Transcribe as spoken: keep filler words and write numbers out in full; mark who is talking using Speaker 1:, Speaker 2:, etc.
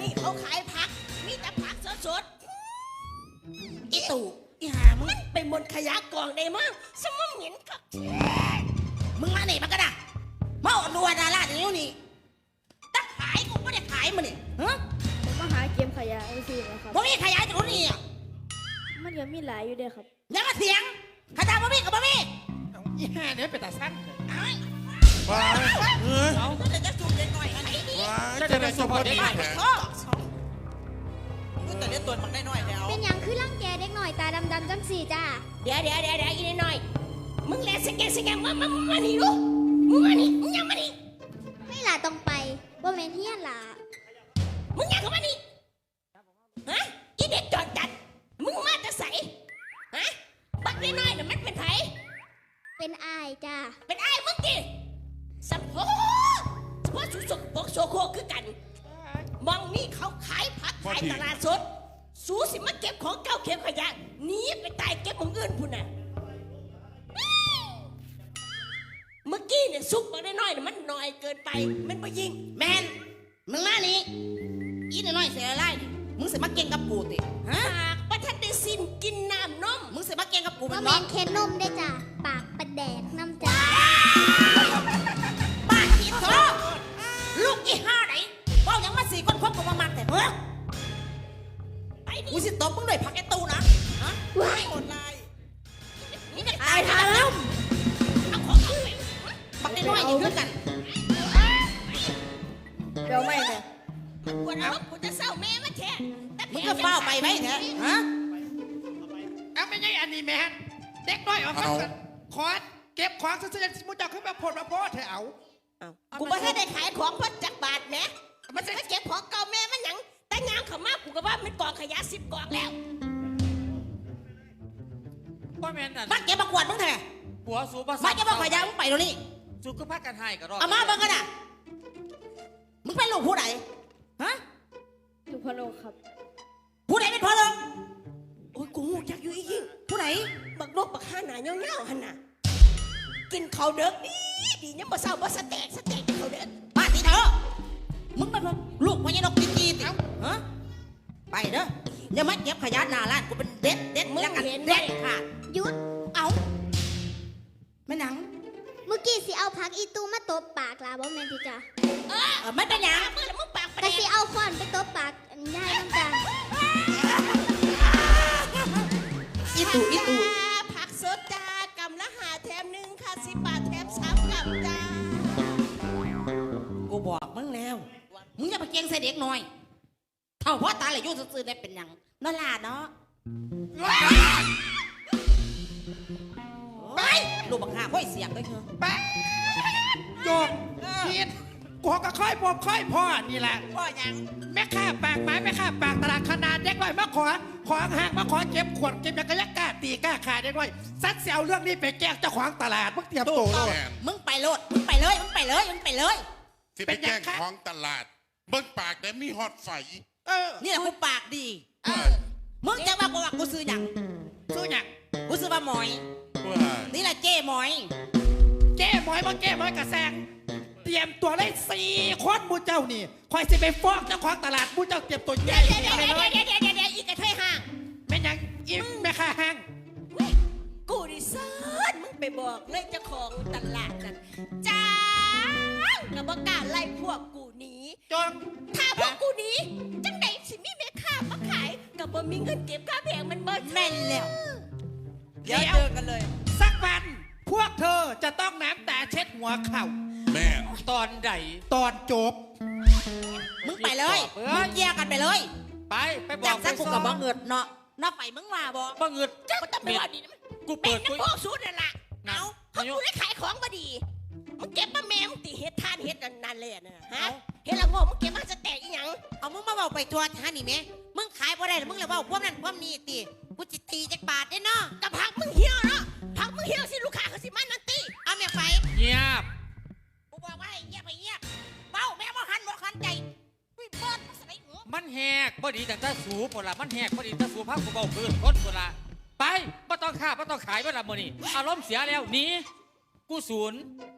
Speaker 1: นี่เขาขายผักมีแต่ผักสดๆอีตู่อีหามึงไปบนขยะกองได้มั้งสมองเหม็นกับมึงมาไหนมันก็ได้มาอดรัวดาราอย่างนี้นี่ตั้งขายกูไม่ได้ขายมันนี่ฮะ
Speaker 2: ผมมาหาเกมขยะไอ้สินะครับ
Speaker 1: บ่มีขยะจากนี่อ่ะ
Speaker 2: มันยังมีหลายอยู่เด้อครับ
Speaker 1: ยังมาเถียงขยะบ่มีกับบ่มี
Speaker 3: อีห่าเนี่ยเป็นตาสั้น
Speaker 4: ว้ายเฮ้ย
Speaker 1: เอาแต่จะสูบเล็กหน่อยอันนี้นี่
Speaker 4: ว้ายจะได้เฉพาะดีแท้
Speaker 1: แต่เล่นตัวมันได้น้อยแล้ว
Speaker 5: เป็นอย่างคือร่างแกเด็กหน่อยตาดำๆจังสี่จ้า
Speaker 1: เดี๋ยวเดี๋ยวเดี๋ยวเดี๋ยวอีนิดหน่อยมึงแลสแกนสแกนมามามานี่ลูกมึงมานี่มึงยังมานี่
Speaker 5: ไม่หล่ะต้องไปว่าแมนเฮียนหล่ะ
Speaker 1: มึงยังเข้ามานี่ฮะอีเด็กจอดจัดมึงมาจะใส่ฮะบักน้อยๆน่ะมันเป็นไผ
Speaker 5: เป็นอายจ้า
Speaker 1: เป็นไอ้มึงดิสัมโพสัมโพสุสกปกโซโคคือกันมองนี่เขาขายผักขายตลาดสดสูสิมาเก็บของเก่าเก็บขยะหนีไปตายเก็บของอื่นพุ่นน่ะเมื่อกี้เนี่ยซุปบักน้อยๆน่ะมันน้อยเกินไปมันไปยิงแมนมึงมานี่อีน้อยๆเสียอะไรมึงสิมาเก่งกับกูติฮะปากประทัดได้สินกินน้ำนมมึงสิมาเก่งกับกูมั
Speaker 5: ว่าน แม
Speaker 1: ร้อง
Speaker 5: นเคนนมได้จ้าปากประแดกน้ำจ้า
Speaker 1: บ้าขี้โตลูกยี่ห้าไหนเบ้ายังมาสี่คนคบกับมามันแต่เฮ้ยไอ้นี่กูสิตบมึงด้วยผักไอ้ตูนะฮะว้ายคนไรนี่จะตายทาแล้วเอาของเอาไปบักน้อยๆอยู่ด้วยกัน
Speaker 2: เดี๋ยวไม่เนี่ย
Speaker 1: มันควรเอากูจะเศร้าแม่มาแท้มึงก็เฝ้าไปไหมแท้ฮะ
Speaker 3: เอาไม่ใช่อันนี้แม่เด็กน้อยออกมาขอเก็บของซื้อๆมุจจาขึ้นมาผลมาโพสเถอะเอา
Speaker 1: กูไม่ได้ขายของเพราะจักบาทแม่มันจะเก็บของเก่าแม่มันหยังแต่งามเขามากกูก็ว่ามันกองขยะสิบกองแล้ว
Speaker 3: ว่าแม่น่ะ
Speaker 1: มาเก็บมากวาดมึงแท้
Speaker 3: ผัวสูบ
Speaker 1: มาเก็บมาขยะมึงไปตรงนี้
Speaker 3: สูก็พักกันให้กันรอ
Speaker 1: เอามาบ้างกันอ่ะมึงเป็นลูกผู้ใดฮะ
Speaker 2: ลูกพ่อโลกครับ
Speaker 1: ผู้ใดเป็นพ่อลูกโอ้ยกูอยากอยู่อีกยิ่งผู้ใดบักนกบักห่าหนาเงี้ยวๆหันน่ะกินข้าวเด็กดีดีเนี่ยมาเศร้ามาสเต็กสเต็กข้าวเด็กมาทีเถอะมึงเป็นลูกพญานกตีกีติฮะไปเด้ออย่ามาเก็บขยะหน้าร้านกูเป็นเด็ดเด็ดมึงเห็นเด็ดค่ะ
Speaker 5: หยุด
Speaker 1: เอาแม่หนัง
Speaker 5: เมื่อกี้สิเอาผักอีตูมาตบปากลาบ่แมนที่จ้า
Speaker 1: เออไม่เป็นยังมึงมึงปาก
Speaker 5: แต่สิเอาค้อนไปตบปากยายน้ำจ้า
Speaker 1: อีตู่อีตู่ผักสดจ้ากำละหาแถมหนึ่งค่ะสิบบาทแถมสามกำจ้ากูบอกมึงแล้วมึงอย่าไปเก่งใส่เด็กน้อยเท่าพ่อตาเลยยุ่งซื่อๆได้เป็นยังนั่นล่ะเนาะไปลูกบังหาพ่อเสียงด้วยเถอะ
Speaker 3: ไปโยกผิดกูก็ค่อยพบค่อยพ่อนี่แหละ
Speaker 1: พ่อยัง
Speaker 3: แม่ข้าปากไม้แม่ข้าปากตลาดขนาดเด็กน้อยมาขอของห่างมาขอเก็บขวดเก็บยากระยักกล้าตีกล้าขาเด็กน้อยซัดเสียวเรื่องนี้ไปแก้เจ้าของตลาดมึงเตรียมตัว
Speaker 1: มึงไปโลดมึงไปเลยมึงไปเลยมึงไปเลย
Speaker 4: ที่ไปแจ้งของตลาดเบิ้งปากแต่มีฮอตไฟ
Speaker 3: เออ
Speaker 1: นี่แหละกูปากดีมึงจะว่ากูว่ากูซื้อหยัง
Speaker 3: ซื้อหยัง
Speaker 1: กูซื้อมาหมอยนี่แหละเจ้หมอย
Speaker 3: เจ้หมอยมึงเจ้หมอยกระแซงเตรียมตัวเลยสี่คนมูเจ้านี่คอยสิไปฟ้องเจ้าของตลาดมูเจ้าเตรียมตัวใหญ่
Speaker 1: เดี๋ยวเดี๋ยวเดี๋ยวเดี๋ยวเดี๋ยวเดี๋ยวอีกกระเทยห่าง
Speaker 3: แม่ยังอิ่มแม่ข้าห่าง
Speaker 1: กูดิเซิร์ชมึงไปบอกเลยเจ้าของตลาดนั่นจ้ากับบอกกล้าไล่พวกกูหนี
Speaker 3: จน
Speaker 1: ถ้าพวกกูหนีจังไหนสิมีแม่ค้ามาขายกับบ่มีเงินเก็บค่าแพงมันเบิดแม่นแล้ว
Speaker 3: เดี๋ยวเจอกันเลยสักวันพวกเธอจะต้องน้ำตาเช็ดหัวเข่า
Speaker 4: แม่
Speaker 3: ตอนใดตอนจบ
Speaker 1: มึงไปเลยมึงแยกกันไปเลย
Speaker 3: ไปไปบอก
Speaker 1: สักกูกับบ่เงิดเนาะนอกไปมึงว่าบ่
Speaker 3: บ่เงิด
Speaker 1: ก็ต้องไปว่าดีนะ
Speaker 3: กูเปิด
Speaker 1: กูพวกสูตรนั่นแหละเอาเขากูได้ขายของมาดีมึงเก็บมาแม่มึงตีเฮ็ดทานเฮ็ดนั่นเลยนะฮะเฮ็ดละโง่มึงเก็บมาจะแตกอีหยังเอามึงมาเบาไปทัวร์ท่านี่แม่มึงขายบ่ได้มึงเลยเบาพวกนั้นพวกนี้ตีกูจิตีจักบาทได้เนาะกับผักมึงเหี่ยวเนาะผักมึงเหี่ยวสิลูกค้าเขาสิมานั่นตีเอาแม่ไฟ
Speaker 3: เงียบ
Speaker 1: กูบอกว่าให้เงียบไปเงียบเบาแม่บ่หันบ่หันใจเปิด
Speaker 3: มันแหกพอดีแต่ตาสูบหมดละมันแหกพอดีตาสูบพักกูเบาคืนคนหมดละไปไม่ต้องฆ่าไม่ต้องขายไม่ละโมนี่อารมณ์เสียแล้วหนีกูศูนย์